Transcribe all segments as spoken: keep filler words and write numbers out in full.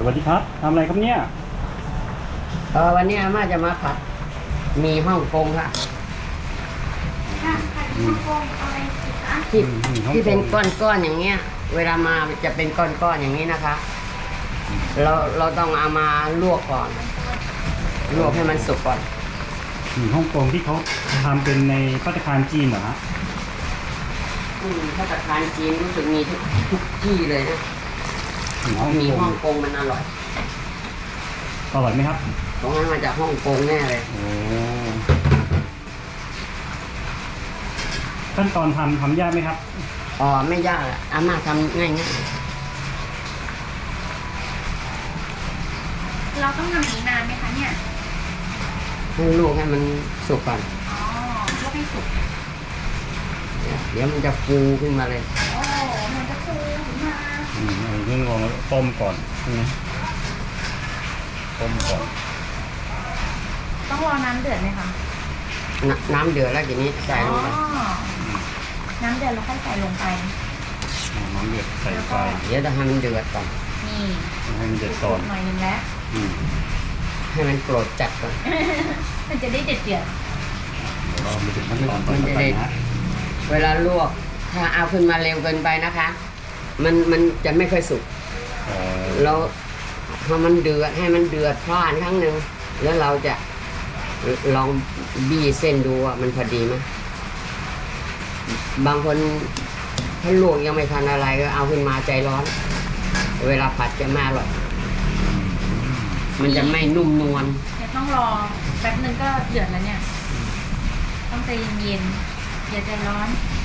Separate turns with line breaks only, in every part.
วัสดีครับทำอะไรครับเนี่ย
เออวันนี้อาม่าจะมาผัดมีฮ่องกงค่ะ
ค่ะผัดฮ่องกงเอาอะไรสิคะ
ที่ที่เป็นก้อนๆอย่างเงี้ย เวลามาจะเป็นก้อนๆอย่างนี้นะคะ เราเราต้องเอามาลวกก่อนลวกให้มันสุกก่อน
หมี่ฮ่องกงที่เขาทำเป็นในภัตตาคารจีนเหรอฮะ
อืมถ้าตะทานจีนรู้สึกมีทุกทุกที่เลยนะ
หมี่ฮ่อง
มี
ก
ฮ่อง งกงมันอร่อย
อร่อยไหมครับ
ตรงนั้นมาจากฮ่องกงแน่เลย
โอ้ขั้นตอนทำทำยากไหมครับ
อ๋อไม่ยากอะอาม่าทำง่าย
เราต้องทำอีกนานไหมคะเนี่ย
ๆให้ลวกให้มันสุกก่อน
อ๋อลวกให้สุก
เดี๋ยวมันจะฟูขึ้นมาเลย
โอ้มันจะฟูขึ้นมา
อืมเอาเรื่องลองต้มก่อนใช่ไหมต้มก่อน
ต้องรอน้ำเดือดไหมคะ
นน้ำเดือดแล้วทีนี้ใส่ลงไป
อ๋อน้ำเดือดเราค่อยใส่ลงไป
เอาน้ำเดือดใส่ไป
เดี๋ยวจะให้มันเดือดก่อน
นี่
ให้มันเดือดก่อน
หน่อยนึงแล้ว
อืม
ให้มันโกรธจัดก่อน
มันจะได้เดือดเดือด
เดี๋ยวเราไปถึงขั้นตอนต่อไปนะ
เวลาลวกถ้าเอาขึ้นมาเร็วเกินไปนะคะ มันมันจะไม่ค่อยสุก
เอ่อ
เราพอมันเดือดให้มันเดือดพล่านครั้งหนึ่งแล้วเราจะลองบี้เส้นดูว่ามันพอดีไหมบางคนถ้าลวกยังไม่ทันอะไรก็เอาขึ้นมาใจร้อน เวลาผัดจะไม่อร่อยมันจะไม่นุ่มนวล
เดี๋ยวต้องรอแป๊บนึงก็เดือดแล้วเนี่ย ต้องใจเย็นๆอย่าใจร้อน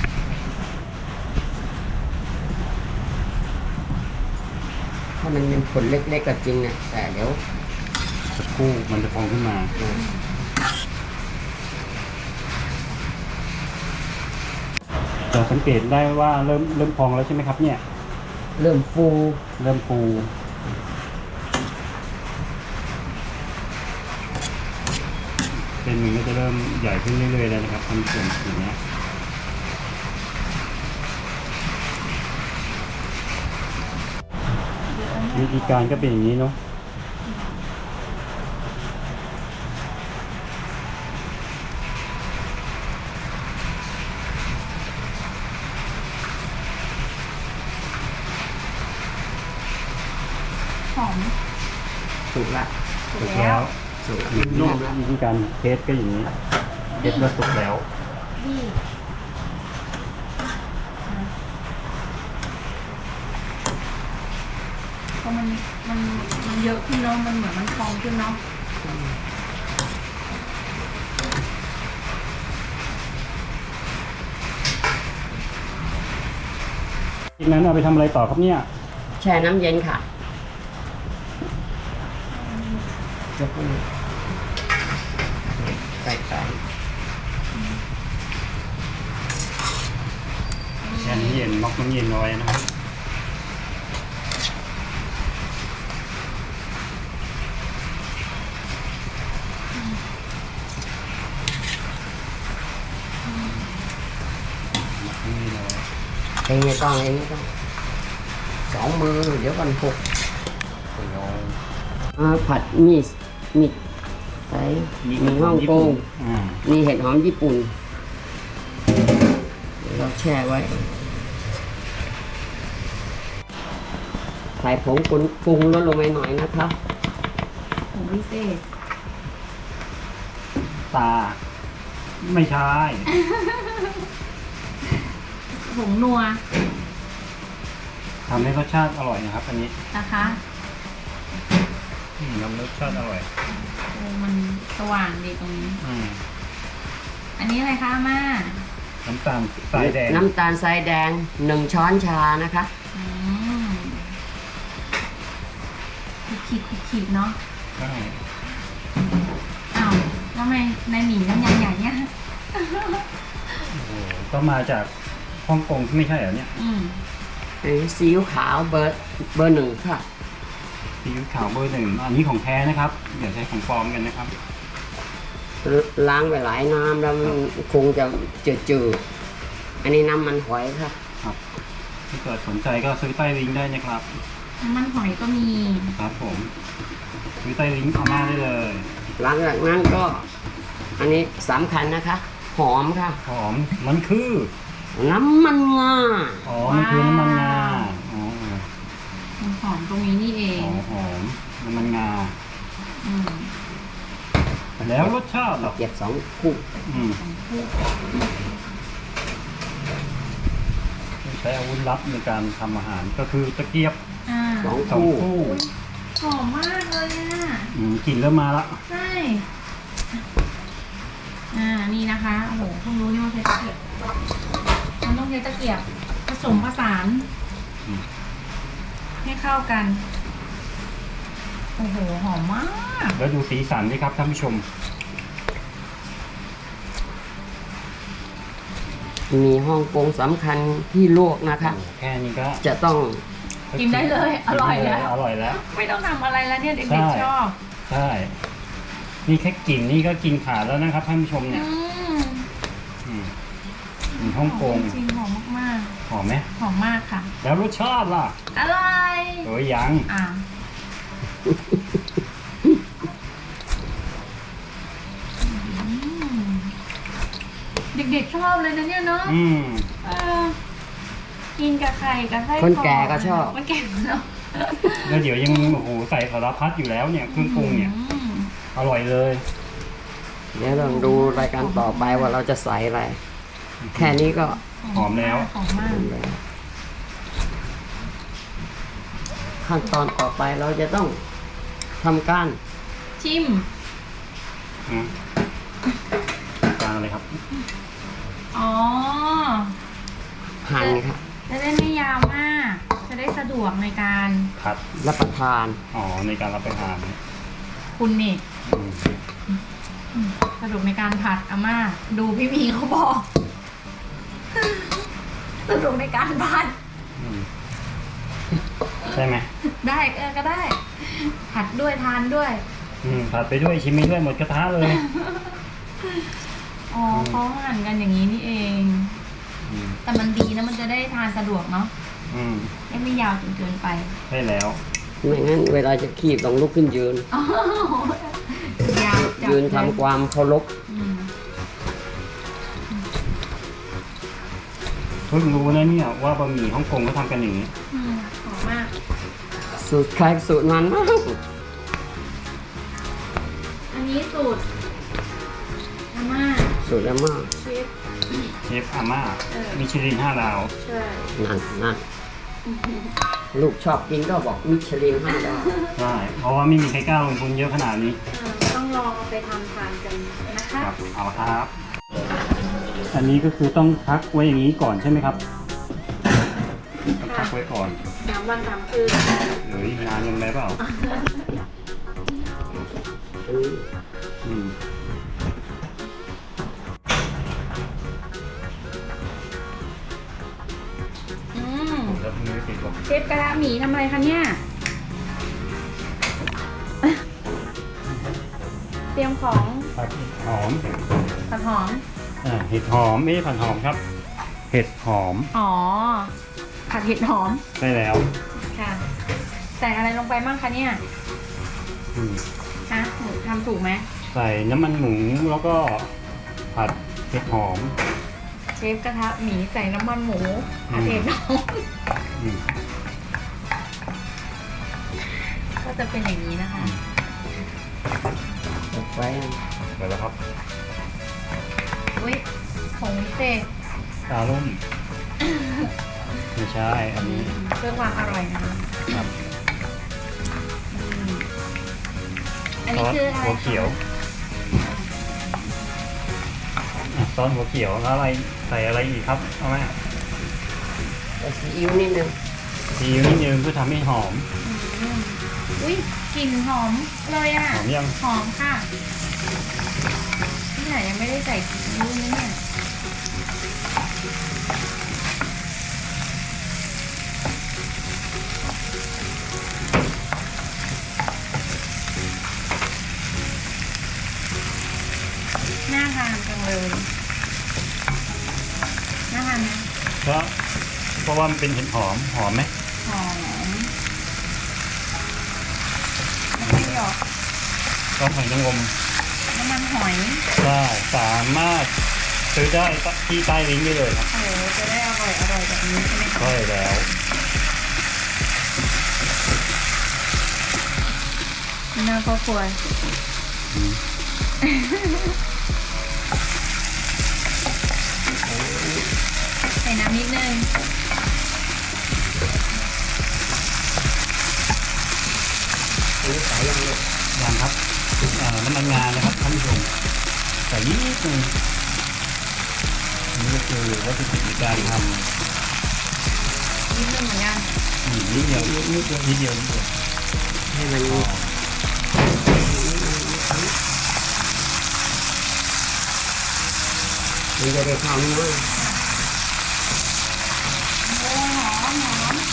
ถ้ามันเป็นผลเล็กๆก็จริงนะแต่เดี๋ยว
สักครู่มันจะพองขึ้นมาเราสังเกตได้ว่าเริ่มเริ่มพองแล้วใช่ไหมครับเนี่ย
เริ่มฟู
เริ่มฟูเป็นมันก็จะเริ่มใหญ่ขึ้นเรื่อยๆแล้วนะครับทำส่วนอย่างเนี้ยวิธีการก็เป็นอย่างนี้เนาะ
หอม
สุกละ
สุ
สุ
ก
ก
แล้
แล้ว ว
สุกละ
นุ่มวิธีการเทสก็อย่างนี้เทสว่าสุกแล้ว
นี่พอมันมันมันเยอะขึ้นเนาะมันเหมือนมันพองขึ้นเนาะ
จากนั้นเอาไปทำอะไรต่อครับเนี่ย
แช่น้ำเย็นค่ะยกขึ้นใส่ไป
แช่น้ำเย็นน็อกน้ำเย็นเอาไว้นะครับน็อกน้ำเย็นเอาไว้
เองไม่ต้องเองไม่ต้องสองมือเดี๋ยวก่อนหก
เดี๋ยว
อ่าผัดมีดมีดใส่มีฮ่องกง
อ่า
มีเห็ดหอมญี่ปุ่นเราแช่ไว้ใส่ผงปรุงปรุงลดลงไปหน่อยนะคะ
ผงพิเศษ
ตาไม่ใช่
ผงนัว
ทำให้รสชาติอร่อยนะครับ อันนี้
นะคะ
อืมทำรสชาติอร่อย
โอ้มันสว่างดีตรงนี้
อืม
อันนี้อะไรคะอาม่า
น้ำตาลทรายแดง
น้ำตาลทรายแดงหนึ่งช้อนชานะคะ
อืมคุกคิดคุกคิดเนาะ
ใช่
อ้าวแล้วทำไมในหมี่น้ำยาใหญ่เนี่ย
โอ้โหก็มาจากฮ่องกงไม่ใช่เหรอเนี่ย
อืม
อันนี้ซีอิ๊วขาวเบอร์เบอร์หนึ่งค่ะ
ซีอิ๊วขาวเบอร์หนึ่งอันนี้ของแท้นะครับอย่าใช้ของปลอมกันนะครับ
ล้างไปหลายน้ำแล้วมันคงจะจืดๆอันนี้น้ำมันหอยค่ะ
ครับถ้าเกิดสนใจก็ซื้อใต้ลิงก์ได้นะครับ
ค
น้ำมันหอยก็มี
ครับผมวิตาลิงอาม่าได้เลย
หลังจากนั้นก็ อันนี้สำคัญนะคะ หอมค่ะ
หอมมันคือ
น้ำมันงา
อ๋อมันคือน้ำมันงาอ๋อ
มันหอมตรงนี้นี่เอง
หอมหอมน้ำมันงา
อืม
แล้วรสชาติเหรอ
เก็บสองคู่
อืมใช้อาวุธลับในการทำอาหารก็คือตะเกียบ
อ่า
สอง
สอง
คู่
คู่
หอมมากเลยอ่ะ
อืมกลิ่นเริ่มมาละ
ใช่ อ่า นี่นะคะ โอ้โหเพิ่งรู้นี่ว่าใช้ตะเกียบ มันต้องใช้ตะเกียบผสมผสาน
อืม
ให้เข้ากัน โอ้โห หอมมาก
แล้วดูสีสันดิครับท่านผู้ชม
มีฮ่องกงสำคัญที่ลวกนะคะ
โอ้แค่นี้ก็
จะต้อง
กินได้เลย อร่อยแล้ว
อร่อยแล้ว
ไม่ต้องทำอะไรแล้วเนี่ย
ใช่
เด็กๆชอบ
ใช่ นี่แค่กลิ่นนี่ก็กินขาดแล้วนะครับท่านผู้ชมเนี่ย
อืม
อืมอืมฮ่องกง
จริงๆหอมมาก
หอมไหม
ๆ หอมมากค่ะ
แล้วรสชาติล่ะ
อร่อย
เอ้ยยัง
อ่ะอืมเด็กๆชอบเลยนะเนี่ยเนาะ
อืม
เออกินกับไข่กับไส้
คนแก่ก็ชอบ
คนแก่ก็ชอบ
แล้วเดี๋ยวยังโอ้โหใส่สารพัดอยู่แล้วเนี่ยเครื่องปรุงเนี่ย
อืม
อร่อยเลย
เดี๋ยวเราดูรายการต่อไปว่าเราจะใส่อะไร แค่นี้ก็
หอมแล้ว
หอมมาก
ขั้นตอนต่อไปเราจะต้องทำการ
ชิม
อืมกลางเลยครับ
อ๋อ
หั่นครับ
จะได้ไม่ยาวมาก จะได้สะดวกในการ
ผัด
รับประทาน
อ๋อในการรับประทาน
คุณนี่
อืม
อืมสะดวกในการผัดอาม่า ดูพี่หมีเขาบอก สะดวกในการผัด
อืมใช่ไหม
ได้เออก็ได้ ผัดด้วยทานด้วย
อืมผัดไปด้วยชิมไปด้วยหมดกระทะเลย
อ๋อเขาหั่นกันอย่างนี้นี่เอง
อืม
แต่มันดีนะมันจะได้ทานสะดวกเนาะ
อืม
ไม่ไม่ยาวจนเกินไป
ใช่แล้ว
ไม่งั้นเวลาจะคีบต้องลุกขึ้นยืน
อ๋อยาวจับ
ยืนทำความเคารพ
อืม
เพิ่งรู้นะเนี่ยว่าบะหมี่ฮ่องกงเขาทำกันอย่างนี้
อืมหอมมาก
สูตรใครสูตรมันมาก
อันนี้สูตรอาม่า
สูตรแล้วมาก
เชฟ
เชฟอาม่า
เออ
มิชลินห้าดาว
ใช่
นั่นนั่นลูกชอบกินก็บอกมิชลินห้าดาว
ใช่ เพราะว่าไม่มีใครกล้าลงทุนเยอะขนาดนี้
ต้องลองเอาไปทำทานกันนะคะ
ครับ เอาละครับ อันนี้ก็คือต้องพักไว้อย่างนี้ก่อนใช่ไหมครับต้องพักไว้ก่อน
น้ำวันสามคืน
เฮ้ยนานยังไงเปล่า
อืม
อืม
อืม
แล้วมือติดลม
เชฟกระทะหมีทำอะไรคะเนี่ย เตรียมของ
ผัดหอม
ผัดหอม
อ่าเห็ดหอมไม่ใช่ผัดหอมครับ เห็ดหอม
อ๋อ ผัดเห็ดหอม
ใช่แล้ว
ค่ะ ใส่อะไรลงไปบ้างคะเนี่ย
อืม
ฮะหนูทำถูกไหม
ใส่น้ำมันหมูแล้วก็ผัดเห็ดหอม
เชฟกระทะหมีใส่น้ำมันหมูผัดเห็ดหอม
อืม
ก็จะเป็นอย่างนี้นะคะ
เก็บไว้
เดี๋ยวแล้วครับ
อุ้ยผงวิเศษ
ตาลุ่มไม่ใช่อันนี้
เพื่อความอร่อยนะคะ
ครับ
อืมอัน
ซ
นี้
อส
คืออะไร
หัวเขียวอ่ะซอสหัวเขียวแล้วอะไรใส่อะไรอีกครับเอาไหม
ใส่ซีอิ๊วนิดนึง
ซีอิ๊วนิดนึงเพื่อทำให้หอม
อืมอุ้ยกลิ่นหอมเลยอ่ะ
หอมยัง
หอมค่ะที่ไหนยังไม่ได้ใส่ซีอิ๊วนะเนี่ยน่าทานจังเลยน่าทานไหม
เพราะเพราะว่ามันเป็นเห็ดหอมหอมไหม
หอม
ซอสหอยนางรม
น้ำมันหอย
ได้สามารถซื้อได้ที่ใต้ลิงก์ได้เลยครับ
โอ้โหจะได้อร่อยอร่อยแบบนี้ใช่ไหมคะ
ใช่แล้ว
หน้าครอบครัว
อืม
ใส่น้ำนิดนึง
อันนี้ใส่ยังลูก
ยังครับอ่าน้ำมันงานะครับท่านผู้ชมใส่นิดนึงนี่ก็คือวัตถุดิบในการทำ
นิดนึงเหมือนกัน
อืมนิดเดียวนิดเดียวนิดเดียวนิดเดียว
ให้มัน
อ๋อ
มันจะได้เข้าเนื้อ
โอ้หอมหอม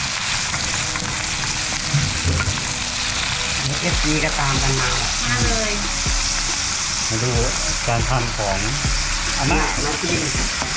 เอฟซีก็ตามกันมา
มาเลย
มาดูการทำของอาม่า
มากิน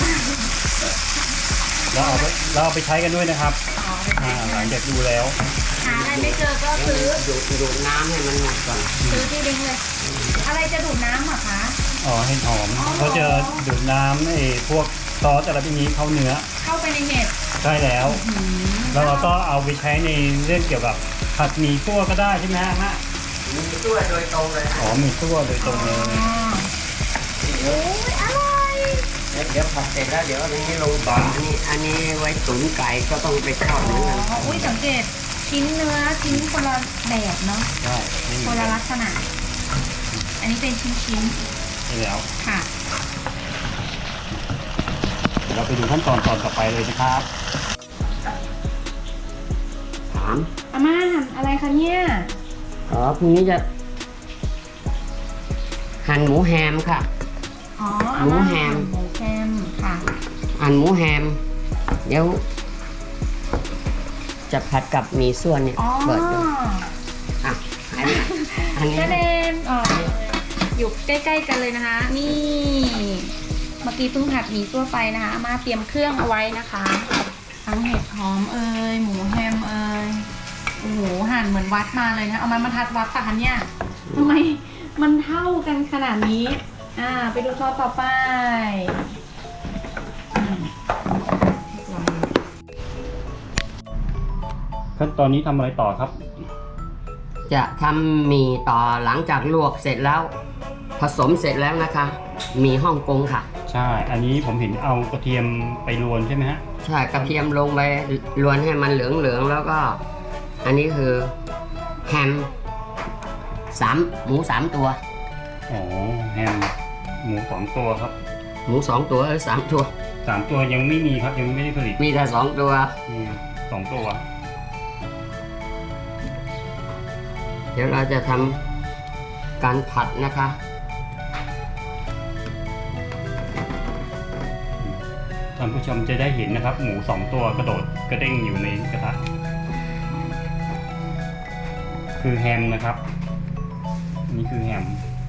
แล้วเอาไปแล้วเอาไปใช้กันด้วยนะครับ
ต่อไป
อ่าหลังจากดูแล้ว
หาอะไรไม่เจอก็ซื้อ
ดูดดูดน้ำให้มันหมดก่อน
ซื้อที่ลิงก์เลย อะไรจะดูดน้ำเหรอคะ
อ๋อเห็ดหอม
อ๋อ
เขาจะดูดน้ำไอ้พวกซอสอะไรพวกนี้เข้าเนื้อ
เข้าไปในเห็ด
ใช่แล้ว
หืม
แล้วเราก็เอาไปใช้ในเรื่องเกี่ยวกับผัดหมี่ซั่วก็ได้ใช่ไหมฮะฮะ
มีตัวโดยตรงเลย
อ๋อหมี่ซั่วโดยตรงเลย
อ๋อโอ้ยอร่อย
เดี๋ยวผัดเสร็จแล้วเดี๋ยวอันนี้ลงต่ออันนี้อันนี้ไว้ตุ๋นไก่ก็ต้องไปทอดเหมือนกัน
อ๋ออุ้ยสังเกตชิ้นเนื้อชิ้นคนละแบบเนาะ
ใช่ไม่มี
คนละลักษณะ อันนี้เป็นชิ้นชิ้น
ใช่แล้ว
ๆค่ะ
เดี๋ยวเราไปดูขั้นตอนตอนต่อไปเลยนะครับ
ถาม
อาม่าหั่นอะไรคะเนี่ย
อ๋อพรุ่งนี้จะ หั่นหมูแฮมค่ะ
อ๋อ
หมูแฮม
หมูแฮมค่ะ
หั่นหมูแฮม เดี๋ยว จะผัดกับหมี่ส่วนเนี่ย
อ๋อ
เปิดดูอ่ะอันนี้อันนี้
กระเด็นออกอยู่ใกล้ๆกันเลยนะคะ นี่ เมื่อกี้เพิ่งผัดหมี่ซั่วไปนะคะอามาเตรียมเครื่องเอาไว้นะคะ ทั้งเห็ดหอมเอ่ยหมูแฮมเอ่ยโอ้โหหั่นเหมือนวัดมาเลยนะเอามันมาทัดวัดปะคะเนี่ยทำไมมันเท่ากันขนาดนี้ อ่า ไปดูซอสต่อไปอืม
ขั้นตอนนี้ทำอะไรต่อครับ
จะทำหมี่ต่อหลังจากลวกเสร็จแล้ว ผสมเสร็จแล้วนะคะหมี่ฮ่องกงค่ะ
ใช่ อันนี้ผมเห็นเอากระเทียมไปรวนใช่ไหมฮะ
ใช่กระเทียมลงไปรวนให้มันเหลืองๆแล้วก็ อันนี้คือแฮมสามหมูสามตัว
อ๋อแฮมหมูสองตัวครับ
หมูสองตัวหรือสามตัว
สามตัวยังไม่มีครับยังไม่ได้ผลิต
มีแต่สองตัว
มีสองตัว
เดี๋ยวเราจะทำการผัดนะคะ
ท่านผู้ชมจะได้เห็นนะครับ หมูสองตัวกระโดดกระเด้งอยู่ในกระทะคือแฮมนะครับนี่คือแฮม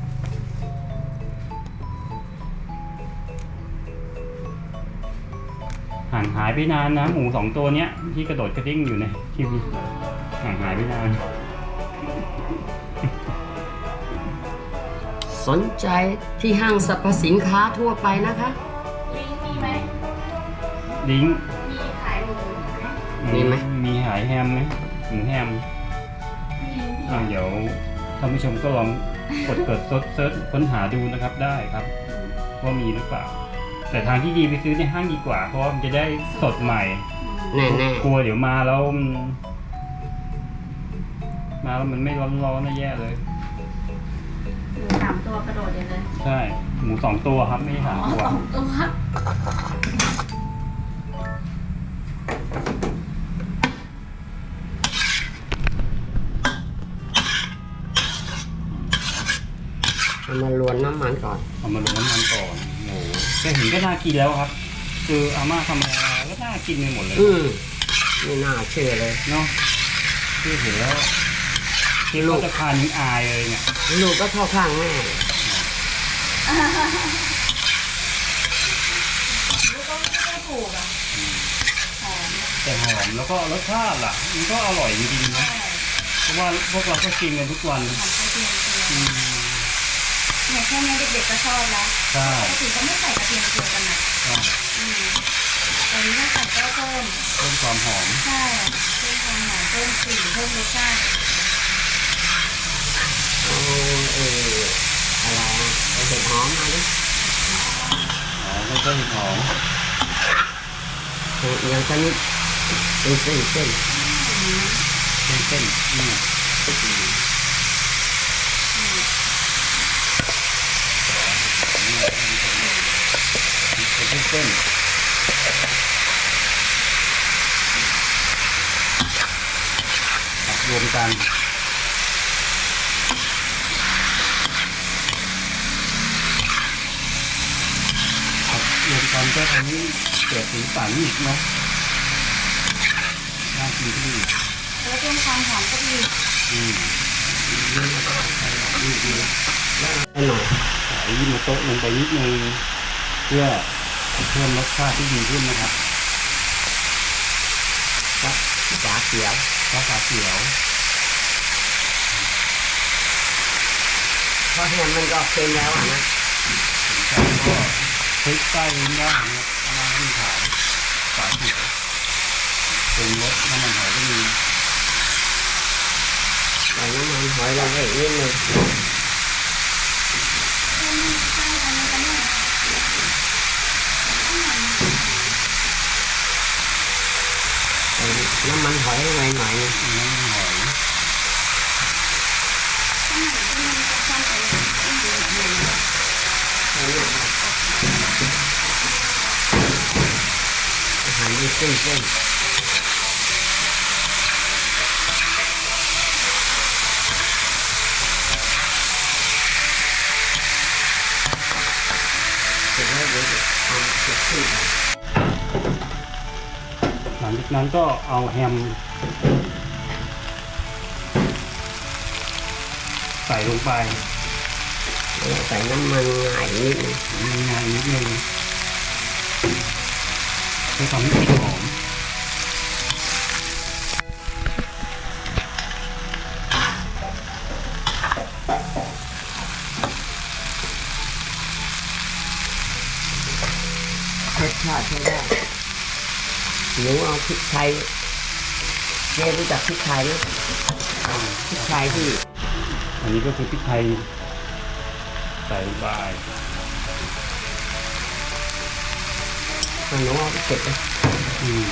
ห่างหายไปนานนะหมูสองตัวเนี้ยที่กระโดดกระเด้งอยู่ในทีวีห่างหายไปนาน
สนใจที่ห้างสรรพสินค้าทั่วไปนะคะ
ลิงก์มีไหม
ลิงก์
มีขายหมูไหม
มีไหม
มีหายแฮมไหมหมูแฮม
มีลิงก์
อ่าเดี๋ยวท่านผู้ชมก็ลองกดเกิดเซิร์ชค้นหาดูนะครับได้ครับว่ามีหรือเปล่า แต่ทางที่ดีไปซื้อในห้างดีกว่า เพราะว่ามันจะได้สดใหม่
แน่
กลัวเดี๋ยวมาแล้วมันมาแล้วมันไม่ร้อนๆนะแย่เลย
หมูสามตัวกระโดดอย่างนั้น
ใช่หมูสองตัวครับไม่ใช่สาม
อ๋อ
ตัว
สองตัว
ๆเอามาลวนน้ำมันก่อน
เอามาลงน้ำมันก่อนโอ้โหแค่เห็นก็น่ากินแล้วครับ คืออาม่าทำอะไรก็น่ากินไปหมดเลย
อืมไม่น่าเชื่อเลย
เนาะที่เห็นแล้วที่ลูกจะทานยังอายเลยเนี่ย
ลูกก็เข้าข้างแม่
ลูกก็ไม่ได้ถูกอ่ะหอม
แต่หอมแล้วก็รสชาติล่ะ มันก็อร่อยจริงๆนะเพราะว่าพวกเราก็กินกันทุกวัน
หอมกระเทียมเจียว
อืม
เนี่ยแค่นี้เด็กๆก็ชอบแล้ว
ใช่
ปกติเขาไม่ใส่กระเทียมเจียวกันนะ
ใช่
อืมแต่นี้ถ้าใส่ก็เพิ่ม
เพิ่มความหอม
ใช่เพิ่มความหอมเพิ่มกลิ่นเพิ่มรสชาติ
เอาเอออะไรอ่ะเอาเห็ดหอมมาดิ
อ๋อแล้วก็เห็ดหอม
อย่างชนิดเป็นเส้นเส้น
เส้นเส้นๆนี่เป็นเส้นๆตักรวมกันตักรวมกันก็ทำให้เกิดสีสันอีกเนาะน่ากินขึ้นอีก
แล้วเพิ่มความหอมก็ดี
อืม
ให้หน่อย
ใส่ยิโมโตะลงไปนิดนึงเพื่อเพิ่มรสชาติที่ดีขึ้นนะครับ
ก็ฝาเขียว
ซอสขาเขียว
เพราะแฮมมันก็เค็มแล้วอ่ะนะ
แล้วก็พริกใต้ลิ้นได้นะครับน้ำมันขาวฝาเขียวปรุงรสน้ำมันหอยก็มี
ใส่น้ำมันหอยลงไปอีกนิดนึงใส่น้ำมันหอยลงไปหน่อยนึง
น้ำมันหอย
ใส่เนี่ยอาหารที่เส้นเส้นเสร็จแล้วเดี๋ยวจะเอาเก็บขึ้นไป
หลังจากนั้นก็เอาแฮมใส่ลงไป
ใส่น้ำมันงายนิดนึง
มีงานนิดนึงเพื่อทำให้กลิ่นหอม
รสชาติใช้ได้หนูเอาพริกไทยเจ๊รู้จักพริกไทยไหมพริกไทยที่
อันนี้ก็คือพริกไทยใส่ลงไป
หนูเอาไปเก็บไป
อืม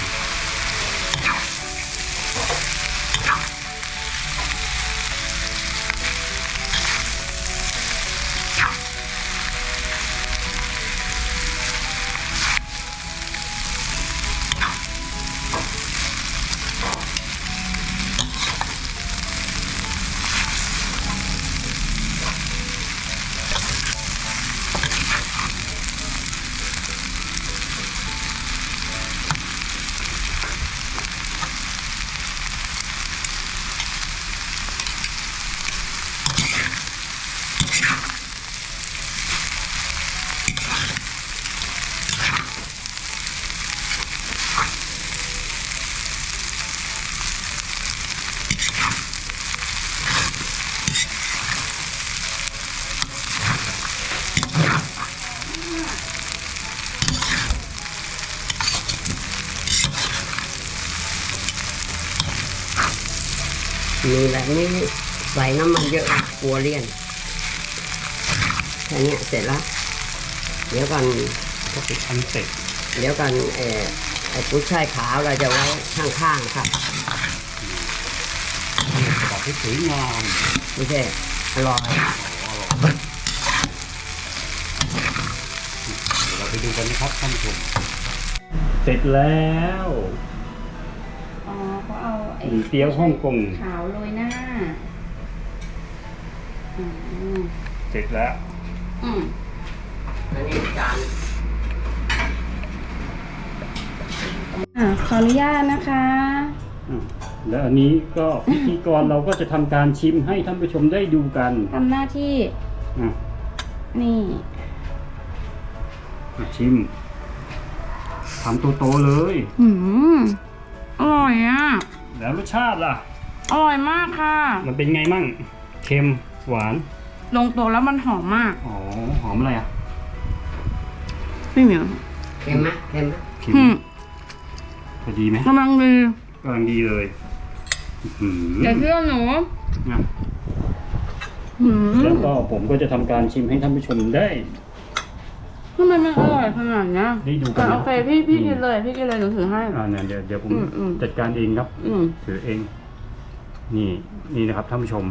มีแบบนี้ใส่น้ำมันเยอะกลัวเลี่ยนแค่เนี้ยเสร็จแล้ว เดี๋ยวกัน
ก็เป็นอันเสร็จ
เดี๋ยวกันเออไอ้กุ้ยช่ายขาวเราจะไว้ข้างๆครับ
บอกให้สวยงาม
ไม่ใช่อร่อย
เดี๋ยวเราไปดูกันนะครับท่านผู้ชมเสร็จแล้ว
อ๋อเขาเอาไอ้
หมี่เตี๋ยวฮ่องกง
ขาวโรยหน้าอืม
เสร็จแล้ว
อืม
อันนี้จาน
อ่าขออนุญาตนะคะ
อ่ะแล้วอันนี้ก็พิธีกรเราก็จะทำการชิมให้ท่านผู้ชมได้ดูกัน
ทำหน้าที่
อ่ะ
นี่
อ่ะชิมทำโตๆเลย
หืมอร่อยอ่ะ
แล้วรสชาติล่ะ
อร่อยมากค่ะ
มันเป็นไงมั่ง เค็ม หวาน
ลงตัวแล้วมันหอมมาก
อ๋อหอมอะไรอ่ะ
พี่เหมียว
เค็มไหมเค็มไหม
ขิม
อืม
พอดีไหม
กำลังดี
กำลังดีเลยอื้อหือ
อย่าเชื่อหนู
นะ
หืม
แล้วก็ผมก็จะทำการชิมให้ท่านผู้ชมได้
ทำไมมันอร่อยขนาดเนี้ย
ได้ดูกันนะ
อ่ะโอเคพี่พี่
อืม
กินเลยพี่กินเลยหนูถือให้
อ่าเนี่ยเดี๋ยวเดี๋ยวผม
อืมอืม
จัดการเองครับ
อืม
ถือเอง นี่นี่นะครับท่านผู้ชม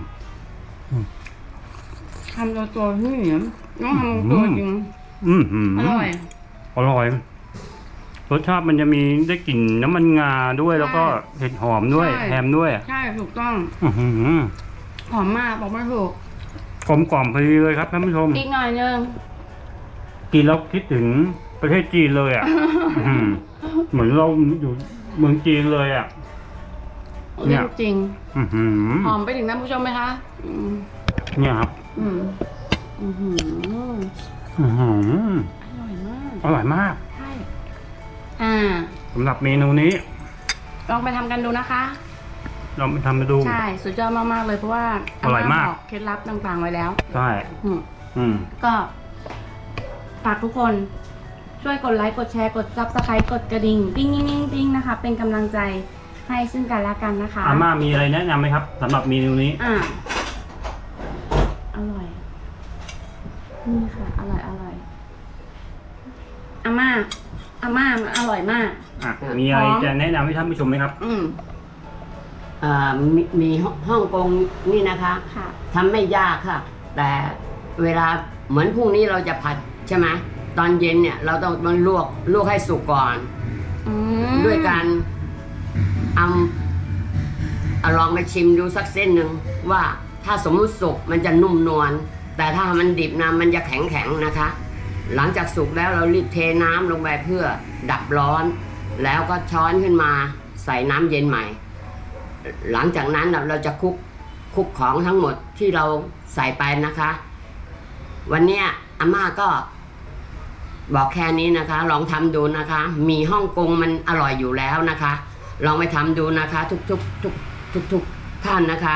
ทำตัวตัวพี่เหมียวต้องทำตัวจริง
อืมหืม
อร่อย
อร่อยรสชาติมันจะมีได้กลิ่นน้ำมันงาด้วย
ใช่
แล้วก็เห็ดหอมด้วย
ใช่
แฮมด้วย
ใช่ถูกต้อง
อื้อหือ
หอมมากบอกไม่ถูก
กลมกล่อมพอดีเลยครับท่านผู้ชม
อีกหน่อยนึง
กินแล้วคิดถึงประเทศจีนเลยอ่ะ อื้อหือเหมือนเราอยู่เมืองจีนเลยอ่ะ เนี่
เรื่
ย
องจริง
อื้อหือ
หอมไปถึงท่านผู้ชมไหมคะ อืม
เนี่ยครับ
อืมอือหือ
อื้อหือ
อร่อยมาก
อร่อยมาก
ใช่ อ่า
สำหรับเมนูนี้
ลองไปทำกันดูนะคะ
เราไปทำมาดู
ใช่ สุดยอดมากๆเลยเพราะว่า
อร่อยมาก
บเคล็ดลับต่างๆไว้แล้ว
ใช่
อืม
อืม
ก็ฝากทุกคนช่วยกดไลค์ กดแชร์ กดซับสไครต์กดกระดิ่งติ้งติ้งติ้งติ้งนะคะ เป็นกำลังใจให้ซึ่งกันและกันนะคะ
อาม่ามีอะไรแนะนำไหมครับสำหรับเมนูนี้
อ่า อร่อย นี่ค่ะ อร่อย อร่อย อาม่า อาม่ามันอร่อยมาก
อ่ะมีอะไร
พร้อม
จะแนะนำให้ท่านผู้ชมไหมครับ
อืม
อ่ามีมีฮ่องกงนี่นะคะ
ค่ะ
ทำไม่ยากค่ะ แต่เวลาเหมือนพรุ่งนี้เราจะผัดใช่ไหมตอนเย็นเนี่ยเราต้องมันลวกลวกให้สุกก่อน
อืม
ด้วยการเอาเอาลองไปชิมดูสักเส้นหนึ่งว่าถ้าสมมุติสุกมันจะนุ่มนวลแต่ถ้ามันดิบนะมันจะแข็งแข็งๆนะคะ หลังจากสุกแล้วเรารีบเทน้ำลงไปเพื่อดับร้อน แล้วก็ช้อนขึ้นมาใส่น้ำเย็นใหม่ หลังจากนั้นเราจะคลุกคลุกของทั้งหมดที่เราใส่ไปนะคะ วันเนี้ยอาม่าก็บอกแค่นี้นะคะ ลองทำดูนะคะ มีฮ่องกงมันอร่อยอยู่แล้วนะคะ ลองไปทำดูนะคะ ทุกทุกทุกทุกทุกท่านนะคะ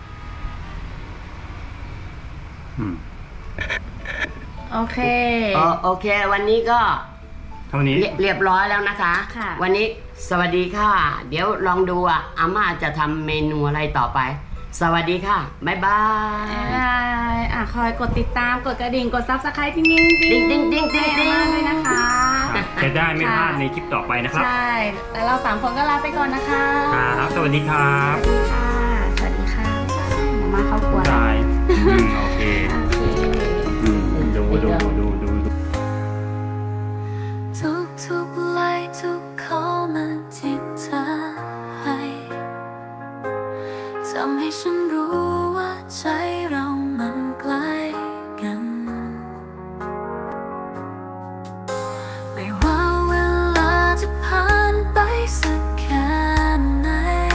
อืม
โอเค
โอโอเค วันนี้ก็
เท่านี้
เรียเรียบร้อยแล้วนะคะ
ค่ะ
วันนี้สวัสดีค่ะ เดี๋ยวลองดูอ่ะอาม่าจะทำเมนูอะไรต่อไป สวัสดีค่ะ บ๊ายบาย
อ่าอ่ะคอยกดติดตาม กดกระดิ่ง กดซับสไครต์ติ้งติ้ง
ติ๊งติ๊งติ๊งติ๊งติ๊ง
ให้อาม่าด้วยนะคะ
จะได้ไม่พลาดในคลิปต่อไปนะครับ
ใช่ แล้วเราสามคนก็ลาไปก่อนนะคะ
ครับ สวัสดีครับ
สวัสดีค่ะ สวัสดีค่ะเดี๋ยวมาเข้าครัวแล้ว
ได้อืมโอเค
โอเค
อืมดูดูดูดูดู
ทุกทุกๆไลค์ทุกคอมเมนต์ที่เธอให้ทำให้ฉันรู้ว่าใจเรามันใกล้กัน ไม่ว่าเวลาจะผ่านไปสักแค่ไหน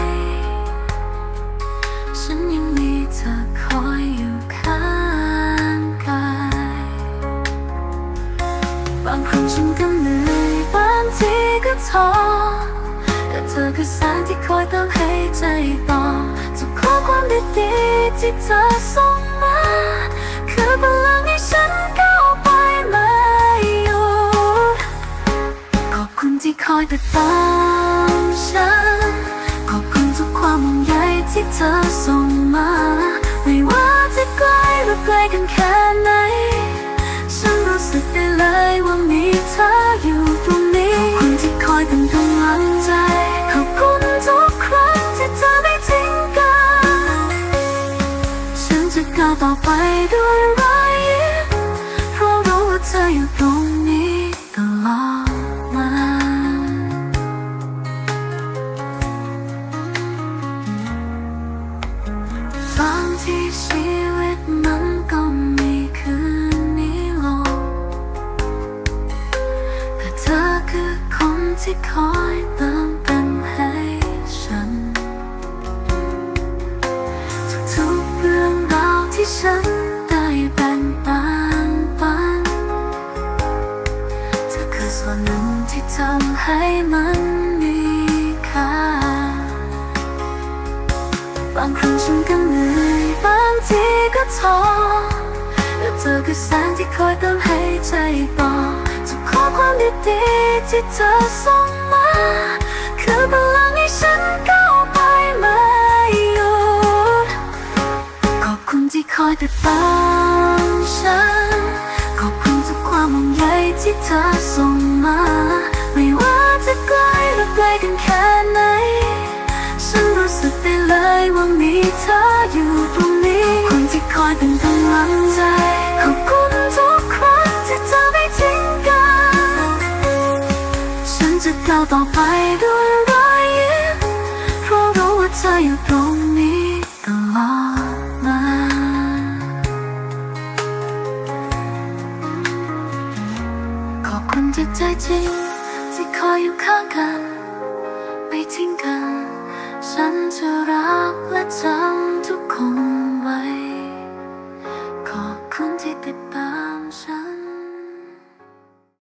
ฉันยังมีเธอคอยอยู่ข้างกาย บางครั้งฉันก็เหนื่อยบางทีก็ท้อแต่เธอคือแสงที่คอยเติมให้ใจต่อทุกข้อความดีๆที่เธอส่งมา คือพลังให้ฉันก้าวไปไม่หยุดขอบคุณที่คอยติดตามฉัน ขอบคุณทุกความห่วงใยที่เธอส่งมา ไม่ว่าจะไกลหรือไกลกันแค่ไหน ฉันรู้สึกได้เลยว่ามีเธออยู่ตรงนี้ ขอบคุณที่คอยเป็นกำลังใจ ขอบคุณทุกครั้งที่เธอไม่ทิ้งกัน ฉันจะก้าวต่อไปด้วยรอยยิ้มเพราะรู้ว่าเธออยู่ตรงนี้ตลอดมา บางทีชีวิตมันก็มีคืนนี้ลง แต่เธอคือคนที่คอยเติมเต็มให้ฉัน ทุกๆเรื่องราวที่ฉันได้แบ่งปันปัน เธอคือส่วนหนึ่งที่ทำให้มันมีค่า บางครั้งฉันก็เหนื่อยบางทีก็ท้อเธอคือแสงที่คอยเติมให้ใจต่อทุกข้อความดีๆที่เธอส่งมาคือพลังให้ฉันก้าวไปไม่หยุดขอบคุณที่คอยติดตามฉันขอบคุณทุกความห่วงใยที่เธอส่งมาไม่ว่าจะไกลหรือไกลกันแค่ไหนฉันรู้สึกได้เลยว่ามีเธออยู่ตรงนี้ขอบคุณที่คอยเป็นกำลังใจขอบคุณทุกครั้งที่เธอไม่ทิ้งกันฉันจะก้าวต่อไปด้วยรอยยิ้มเพราะรู้ว่าเธออยู่ตรงนี้ตลอดมาขอบคุณจากใจจริงที่คอยอยู่ข้างกัน